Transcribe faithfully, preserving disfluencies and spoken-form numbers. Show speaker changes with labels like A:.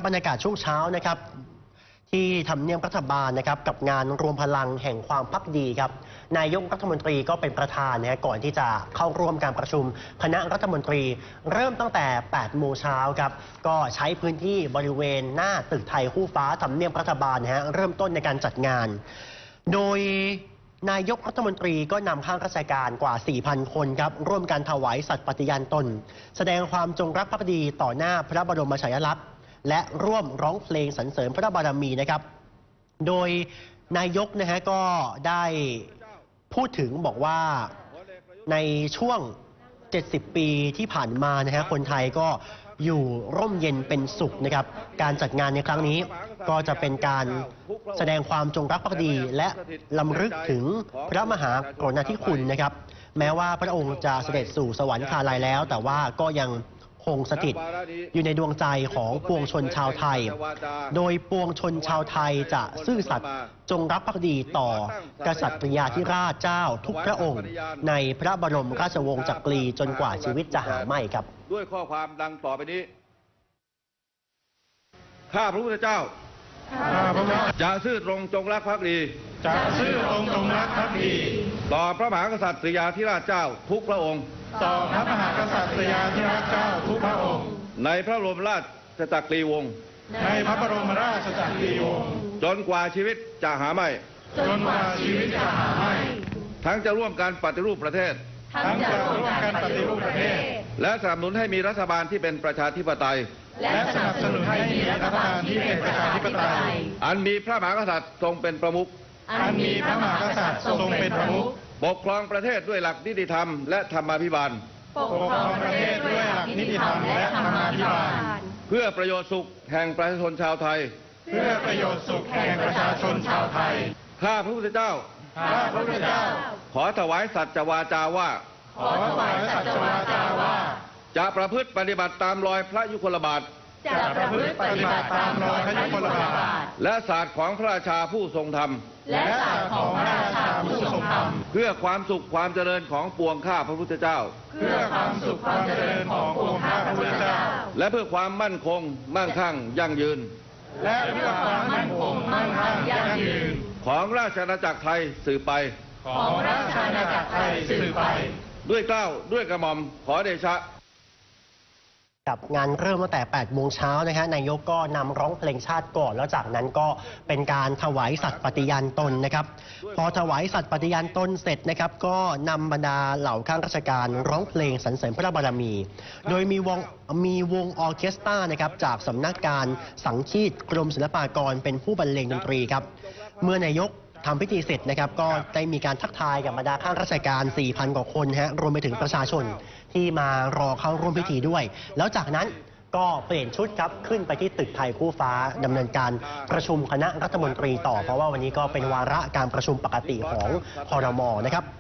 A: บรรยากาศช่วงเช้านะครับที่ทำเนียบรัฐบาลนะครับกับงานรวมพลังแห่งความภักดีครับนายกรัฐมนตรีก็เป็นประธานนะก่อนที่จะเข้าร่วมการประชุมคณะรัฐมนตรีเริ่มตั้งแต่แปดโมงเช้าครับก็ใช้พื้นที่บริเวณหน้าตึกไทยคู่ฟ้าทำเนียบรัฐบาลนะฮะเริ่มต้นในการจัดงานโดยนายกรัฐมนตรีก็นำข้าราชการกว่า สี่พัน คนครับร่วมกันถวายสัตย์ปฏิญาณตนแสดงความจงรักภักดีต่อหน้าพระบรมฉายาลักษณ์และร่วมร้องเพลงสรรเสริญพระบารมีนะครับโดยนายกนะฮะก็ได้พูดถึงบอกว่าในช่วงเจ็ดสิบปีที่ผ่านมานะฮะคนไทยก็อยู่ร่มเย็นเป็นสุขนะครับการจัดงานในครั้งนี้ก็จะเป็นการแสดงความจงรักภักดีและรำลึกถึงพระมหากรุณาธิคุณนะครับแม้ว่าพระองค์จะเสด็จสู่สวรรคาลัยแล้วแต่ว่าก็ยังคงสถิตอยู่ในดวงใจของปวงชนชาวไทยโดยปวงชนชาวไทยจะซื่อสัตย์จงรักภักดีต่อกษัตริยาธิราชเจ้าทุกพระองค์ในพระบรมราชวงศ์จักรีจนกว่าชีวิตจะหาไม่ครับ
B: ด้วยข้อความดังต่อไปนี้ข้าพระพุทธเจ้าจะซื่อตรงจงรักภักดี
C: จะซื่อตรงจงรักภักดี
B: ต่อพระมหากษัตริยาธิราชเจ้าทุกพระองค์
C: ต่อพระมหากษัตริยาธิราชเจ้าทุกพระองค์
B: ในพระบรมราชจักรีวงศ์
C: ในพระบรมราชจักรีวงศ์
B: จนกว่าชีวิตจะหาไม่
C: จนกว่าชีวิตจะหาไม่
B: ทั้งจะร่วมกันปฏิรูปประเทศ
C: ทั้งจะร่วมกันปฏิรูปประเทศ
B: และสนับสนุนให้มีรัฐบาลที่เป็นประชาธิปไตย
C: และสนับสนุนให้มีรัฐบาลที่เป็นประชาธิปไตย
B: อันมีพระมหากษัตริย์ทรงเป็นประมุข
C: อันมีพระมหากษัตริย์ทรงเป็นประมุข
B: ปกครองประเทศด้วยหลักนิติธรรมและธรรมาภิบาล
C: ปกครองประเทศด้วยหลักนิติธรรมและธรรมาภิบาล
B: เพื่อประโยชน์สุขแห่งประชาชนชาวไทย
C: เพื่อประโยชน์สุขแห่งประชาชนชาวไทย
B: ข้าพระพุทธเจ้า
C: ข้าพระพุทธเจ้า
B: ขอถวายสัจจวาจาว่า
C: ขอถวายสัจจวาจาว่า
B: จะประพฤติปฏิบัติตามรอยพระยุคลบาท
C: จะประพฤติปฏิบัติตามรอยพระยุคลบาท
B: และศาสตร์ของพระราชาผู้ทรงธรรม
C: และศาสตร์ของพระราชาผู้ทรงธรรม
B: เพื่อความสุขความเจริญของปวงข้าพระพุทธเจ้า
C: เพื่อความสุขความเจริญของปวงข้าพระพุทธเจ้า
B: และเพื่อความมั่นคงมั่งคั่งยั่งยืน
C: และเพื่อความมั่นคงมั่งคั่งยั่งยืน
B: ของราชอาณาจักรไทยสืบไป
C: ของราชอาณาจักรไทยสืบไป
B: ด้วยเกล้าด้วยกระหม่อมขอเดชะ
A: กับงานเริ่มตั้งแต่แปดโมงเช้านะฮะนายกก็นำร้องเพลงชาติก่อนแล้วจากนั้นก็เป็นการถวายสัตย์ปฏิญาณตนนะครับพอถวายสัตย์ปฏิญาณตนเสร็จนะครับก็นำบรรดาเหล่าข้าราชการร้องเพลงสรรเสริญพระบารมีโดยมีวงมีวงออร์เคสตรานะครับจากสำนักการสังคีตกรมศิลปากรเป็นผู้บรรเลงดนตรีครับเมื่อนายกทำพิธีเสร็จนะครับก็ได้มีการทักทายกับบรรดาข้าราชการ สี่พัน กว่าคนฮะรวมไปถึงประชาชนที่มารอเข้าร่วมพิธีด้วยแล้วจากนั้นก็เปลี่ยนชุดครับขึ้นไปที่ตึกไทยคู่ฟ้าดำเนินการประชุมคณะรัฐมนตรีต่อเพราะว่าวันนี้ก็เป็นวาระการประชุมปกติของครม.นะครับ